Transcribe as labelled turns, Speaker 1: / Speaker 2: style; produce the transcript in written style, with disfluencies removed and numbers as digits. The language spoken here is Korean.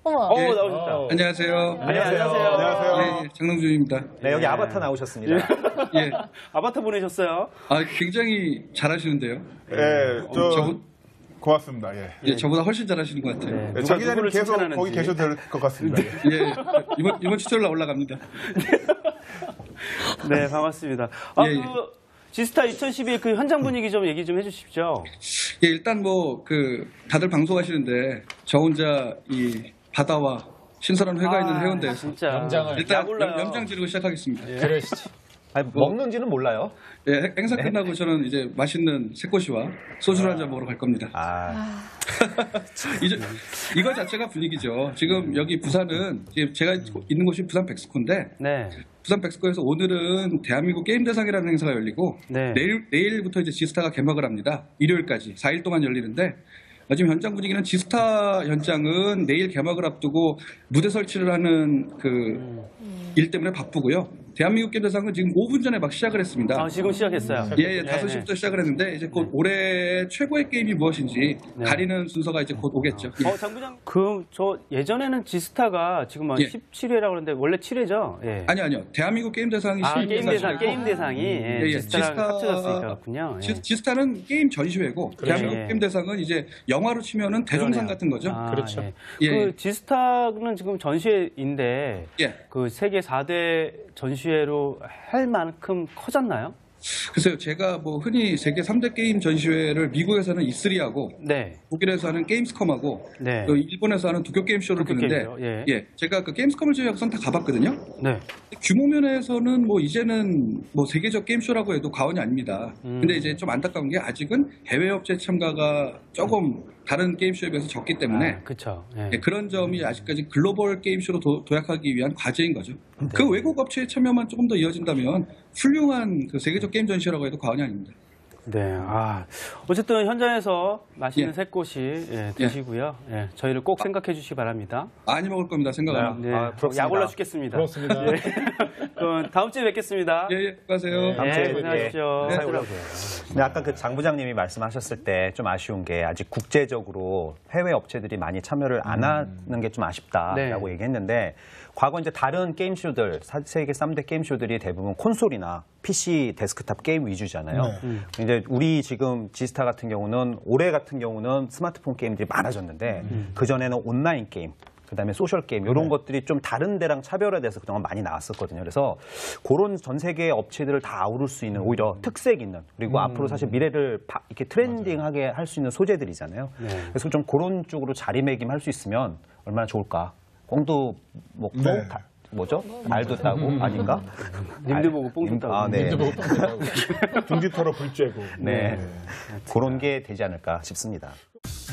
Speaker 1: 어머.
Speaker 2: 예.
Speaker 3: 나오셨다.
Speaker 2: 안녕하세요.
Speaker 3: 안녕하세요.
Speaker 2: 예, 장동준입니다.
Speaker 4: 네, 여기 아바타 나오셨습니다.
Speaker 2: 예.
Speaker 3: 아바타 보내셨어요?
Speaker 2: 굉장히 잘하시는데요.
Speaker 5: 예,
Speaker 2: 저분,
Speaker 5: 고맙습니다. 예.
Speaker 2: 예, 저보다 훨씬 잘하시는 것 같아요.
Speaker 3: 네.
Speaker 5: 예, 장 기자님
Speaker 3: 누구를
Speaker 5: 계속
Speaker 3: 칭찬하는지.
Speaker 5: 거기 계셔도 될 것 같습니다. 예.
Speaker 2: 예, 이번 추천으로 올라갑니다.
Speaker 3: 네, 반갑습니다.
Speaker 2: 예, 예.
Speaker 3: 지스타 2012 그 현장 분위기 좀 얘기 좀 해주십시오.
Speaker 2: 예, 일단 다들 방송하시는데 저 혼자 이 바다와 신선한 회가 있는 해운대에서
Speaker 3: 진짜.
Speaker 2: 일단
Speaker 3: 야골라요.
Speaker 2: 염장 지르고 시작하겠습니다.
Speaker 4: 그러시지. 아니, 먹는지는 몰라요.
Speaker 2: 예, 행사 끝나고 저는 이제 맛있는 새꼬시와 소주를 한잔 먹으러 갈 겁니다. 이거 자체가 분위기죠. 지금 여기 부산은 제가 있는 곳이 부산 백스코인데
Speaker 3: 네.
Speaker 2: 부산 백스코에서 오늘은 대한민국 게임 대상이라는 행사가 열리고
Speaker 3: 네.
Speaker 2: 내일부터 이제 지스타가 개막을 합니다. 일요일까지 4일 동안 열리는데 지금 현장 분위기는 지스타 현장은 내일 개막을 앞두고 무대 설치를 하는 일 때문에 바쁘고요. 대한민국 게임 대상은 지금 5분 전에 막 시작을 했습니다.
Speaker 3: 지금 시작했어요.
Speaker 2: 예, 5시부터 시작을 했는데 이제 곧 올해 최고의 게임이 무엇인지 가리는 순서가 이제 곧 오겠죠.
Speaker 3: 장 부장. 저 예전에는 지스타가 지금 17회라고 그러는데 원래 7회죠? 예.
Speaker 2: 아니요. 대한민국 게임 대상이
Speaker 3: 게임 대상이 지스타랑 합쳐졌으니까 그렇군요. 예.
Speaker 2: 지스타는 게임 전시회고 대한민국 게임 대상은 이제 영화로 치면은 대종상 같은 거죠.
Speaker 4: 그렇죠.
Speaker 3: 예. 지스타는 지금 전시회인데 그 세계 4대 전시회로 할 만큼 커졌나요?
Speaker 2: 글쎄요, 제가 흔히 세계 3대 게임 전시회를 미국에서는 E3하고 독일에서 하는 게임스컴하고 일본에서 하는 도쿄 게임쇼를 보는데 제가 그 게임스컴을 제외하고선 다 가봤거든요. 규모 면에서는 이제는 세계적 게임쇼라고 해도 과언이 아닙니다. 근데 이제 좀 안타까운 게 아직은 해외 업체 참가가 조금 다른 게임쇼에 비해서 적기 때문에 그런 점이 아직까지 글로벌 게임쇼로 도약하기 위한 과제인 거죠. 그 외국 업체의 참여만 조금 더 이어진다면 훌륭한 그 세계적 게임 전시라고 해도 과언이 아닙니다.
Speaker 3: 네, 어쨌든 현장에서 맛있는 새꼬시 드시고요. 저희를 꼭 생각해 주시기 바랍니다.
Speaker 2: 많이 먹을 겁니다. 생각합니다.
Speaker 3: 약올라 죽겠습니다.
Speaker 4: 부럽습니다.
Speaker 3: 그럼 다음 주에 뵙겠습니다.
Speaker 2: 수고하세요.
Speaker 4: 다음 주에
Speaker 3: 고생하십시오.
Speaker 4: 근데 아까 그 장 부장님이 말씀하셨을 때 좀 아쉬운 게 아직 국제적으로 해외 업체들이 많이 참여를 안 하는 게 좀 아쉽다라고 얘기했는데 과거 이제 다른 게임쇼들, 세계 3대 게임쇼들이 대부분 콘솔이나 PC 데스크탑 게임 위주잖아요. 이제 우리 지금 지스타 같은 경우는 올해 같은 경우는 스마트폰 게임들이 많아졌는데 그전에는 온라인 게임, 그다음에 소셜 게임 이런 것들이 좀 다른 데랑 차별화돼서 그동안 많이 나왔었거든요. 그래서 그런 전 세계 업체들을 다 아우를 수 있는 오히려 특색 있는 그리고 앞으로 사실 미래를 이렇게 트렌딩하게 할 수 있는 소재들이잖아요. 그래서 좀 그런 쪽으로 자리매김할 수 있으면 얼마나 좋을까. 꽁도 먹고 뭐죠? 알도 따고 아닌가?
Speaker 3: 님들 보고 뽕도 따고.
Speaker 4: 님들 보고 뽕도 따고.
Speaker 5: 둥지 털어 불 쬐고.
Speaker 4: 그런 게 되지 않을까 싶습니다.